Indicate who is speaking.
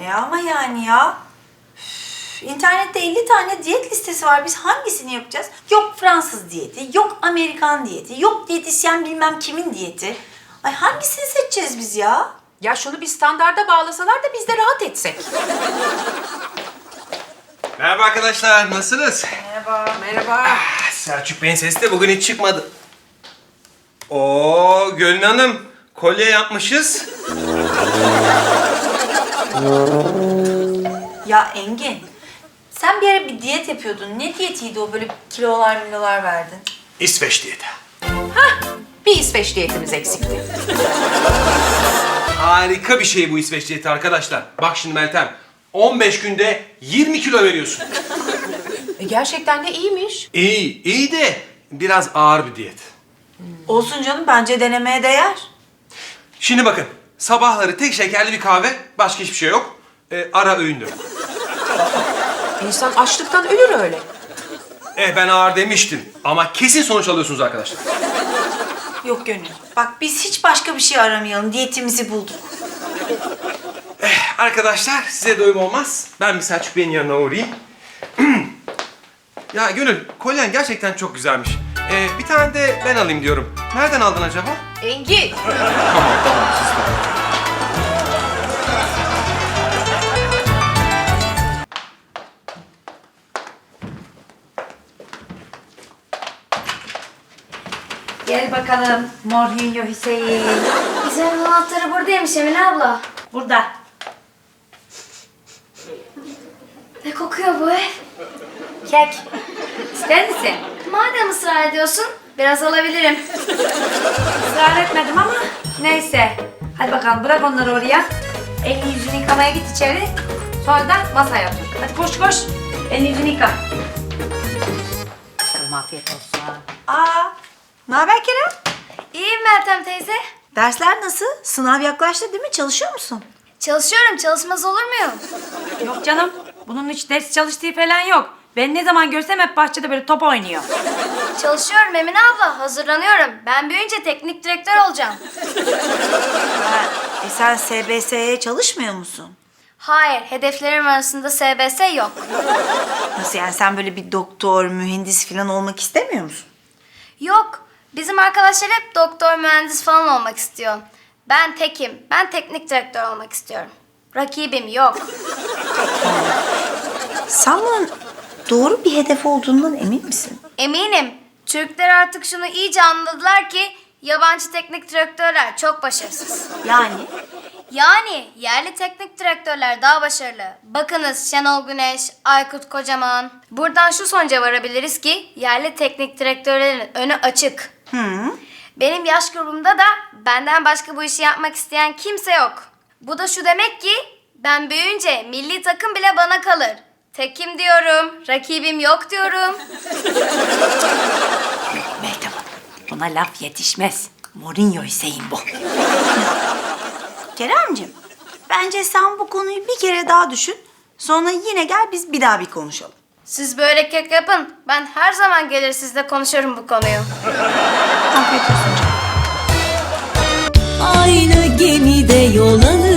Speaker 1: ama yani ya. Üf, İnternette 50 tane diyet listesi var. Biz hangisini yapacağız? Yok Fransız diyeti, yok Amerikan diyeti, yok diyetisyen bilmem kimin diyeti. Ay hangisini seçeceğiz biz ya?
Speaker 2: Ya şunu bir standarda bağlasalar da biz de rahat etsek.
Speaker 3: Merhaba arkadaşlar, nasılsınız?
Speaker 2: Merhaba.
Speaker 3: Selçuk Bey'in sesi de bugün hiç çıkmadı. Oo, Gönül Hanım, kolye yapmışız.
Speaker 1: Ya Engin, sen bir ara bir diyet yapıyordun. Ne diyetiydi o? Böyle kilolar verdin.
Speaker 3: İsveç diyeti.
Speaker 2: Bir İsveç diyetimiz eksikti.
Speaker 3: Harika bir şey bu İsveç diyeti arkadaşlar. Bak şimdi Meltem, 15 günde 20 kilo veriyorsun.
Speaker 2: Gerçekten de iyiymiş.
Speaker 3: İyi de biraz ağır bir diyet.
Speaker 1: Olsun canım, bence denemeye değer.
Speaker 3: Şimdi bakın, sabahları tek şekerli bir kahve, başka hiçbir şey yok. Ara öğündür.
Speaker 2: İnsan açlıktan ölür öyle.
Speaker 3: Ben ağır demiştim ama kesin sonuç alıyorsunuz arkadaşlar.
Speaker 1: Yok Gönül, bak biz hiç başka bir şey aramayalım. Diyetimizi bulduk.
Speaker 3: Arkadaşlar size doyum olmaz. Ben bir Selçuk Bey'in yanına uğrayayım. Ya Gönül, kolyen gerçekten çok güzelmiş. Bir tane de ben alayım diyorum. Nereden aldın acaba?
Speaker 2: Engin.
Speaker 3: Tamam, siz de.
Speaker 1: Gel bakalım Mourinho Hüseyin.
Speaker 4: Güzel anahtarı buradaymış Emine abla.
Speaker 1: Burada.
Speaker 4: Ne kokuyor bu ev?
Speaker 1: Kek. İster misin?
Speaker 4: Madem ısrar ediyorsun, biraz alabilirim.
Speaker 1: Israr etmedim ama neyse. Hadi bakalım bırak onları oraya. Elini yüzünü yıkamaya git içeri. Sonra da masaya otur. Hadi koş. Elini yüzünü yıka. Bakalım afiyet olsun. Ne haber Kerem?
Speaker 4: İyiyim Meltem teyze.
Speaker 1: Dersler nasıl? Sınav yaklaştı değil mi? Çalışıyor musun?
Speaker 4: Çalışıyorum, çalışmaz olur muyum?
Speaker 5: Yok canım. Bunun hiç ders çalıştığı falan yok. Ben ne zaman görsem hep bahçede böyle top oynuyor.
Speaker 4: Çalışıyorum Emine abla, hazırlanıyorum. Ben büyüyünce teknik direktör olacağım.
Speaker 1: Sen SBS'ye çalışmıyor musun?
Speaker 4: Hayır, hedeflerim arasında SBS yok.
Speaker 1: Nasıl yani, sen böyle bir doktor, mühendis falan olmak istemiyor musun?
Speaker 4: Yok, bizim arkadaşlar hep doktor, mühendis falan olmak istiyor. Ben tekim, ben teknik direktör olmak istiyorum. Rakibim yok.
Speaker 1: Sen bunun doğru bir hedef olduğundan emin misin?
Speaker 4: Eminim, Türkler artık şunu iyice anladılar ki yabancı teknik direktörler çok başarısız. Yani yerli teknik direktörler daha başarılı. Bakınız Şenol Güneş, Aykut Kocaman. Buradan şu sonuca varabiliriz ki yerli teknik direktörlerin önü açık. Benim yaş grubumda da benden başka bu işi yapmak isteyen kimse yok. Bu da şu demek ki ben büyüyünce milli takım bile bana kalır. Tekim diyorum, rakibim yok diyorum.
Speaker 5: Meltem Hanım, buna laf yetişmez. Mourinho Hüseyin bu.
Speaker 1: Keremciğim, bence sen bu konuyu bir kere daha düşün. Sonra yine gel biz bir daha bir konuşalım.
Speaker 4: Siz böyle kek yapın. Ben her zaman gelir sizle konuşurum bu konuyu.
Speaker 1: Afiyet olsun canım.
Speaker 6: Aynı gemide yol alır.